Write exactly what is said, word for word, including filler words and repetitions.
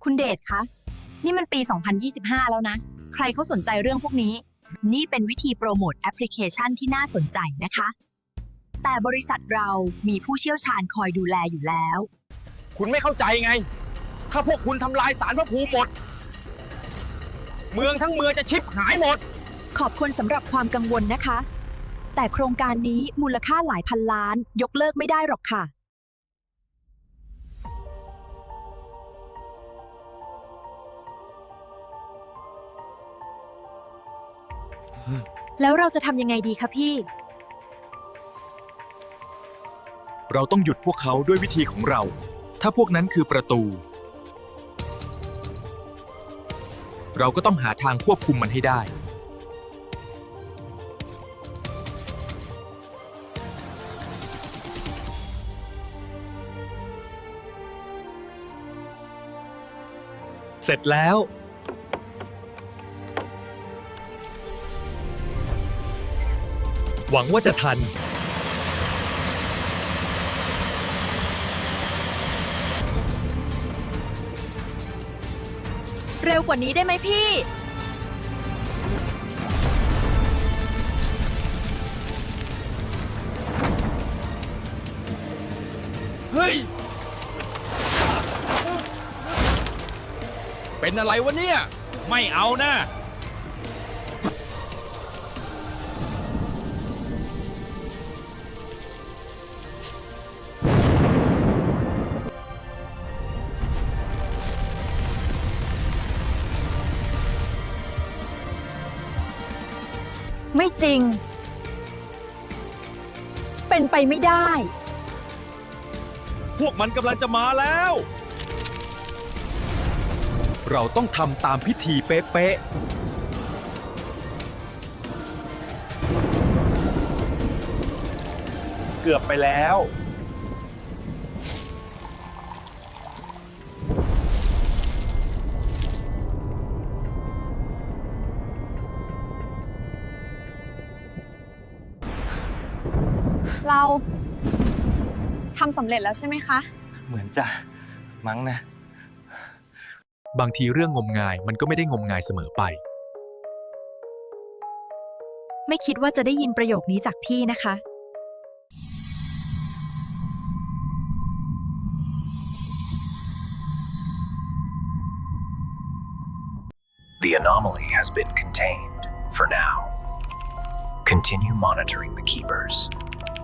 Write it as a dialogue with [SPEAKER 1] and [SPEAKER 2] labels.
[SPEAKER 1] คุณเดชคะ นี่มันปี สองพันยี่สิบห้า แล้วนะ ใครเขาสนใจเรื่องพวกนี้ นี่เป็นวิธีโปรโมทแอปพลิเคชันที่น่าสนใจนะคะ แต่บริษัทเรามีผู้เชี่ยวชาญคอยดูแลอยู่แล้ว
[SPEAKER 2] คุณไม่เข้าใจไง ถ้าพวกคุณทำลายศาลพระภูมิหมด เมืองทั้งเมืองจะชิบหายหมด
[SPEAKER 1] ขอบคุณสำหรับความกังวลนะคะ แต่โครงการนี้มูลค่าหลายพันล้านยกเลิกไม่ได้หรอกค่ะ แล้วเราจะทำยังไงดีคะพี่
[SPEAKER 3] เราต้องหยุดพวกเขาด้วยวิธีของเรา ถ้าพวกนั้นคือประตู เราก็ต้องหาทางควบคุมมันให้ได้ เสร็จแล้ว หวังว่าจะทัน
[SPEAKER 1] เร็วกว่านี้ได้ไหมพี่
[SPEAKER 2] เฮ้ย เป็นอะไรวะเนี่ย
[SPEAKER 4] ไม่เอานะ
[SPEAKER 1] ไม่จริง เป็นไปไม่ได้
[SPEAKER 4] พวกมันกำลังจะมาแล้ว
[SPEAKER 3] เราต้องทำตามพิธีเป๊ะๆ
[SPEAKER 4] เกือบไปแล้ว
[SPEAKER 5] เราทำสำเร็จแล้วใช่ไหมคะ
[SPEAKER 2] เหมือนจะมั้งนะ
[SPEAKER 3] บางทีเรื่องงมงายมันก็ไม่ได้งมงายเสมอไป
[SPEAKER 1] ไม่คิดว่าจะได้ยินประโยคนี้จากพี่นะคะ
[SPEAKER 6] The anomaly has been contained for now. Continue monitoring the keepers.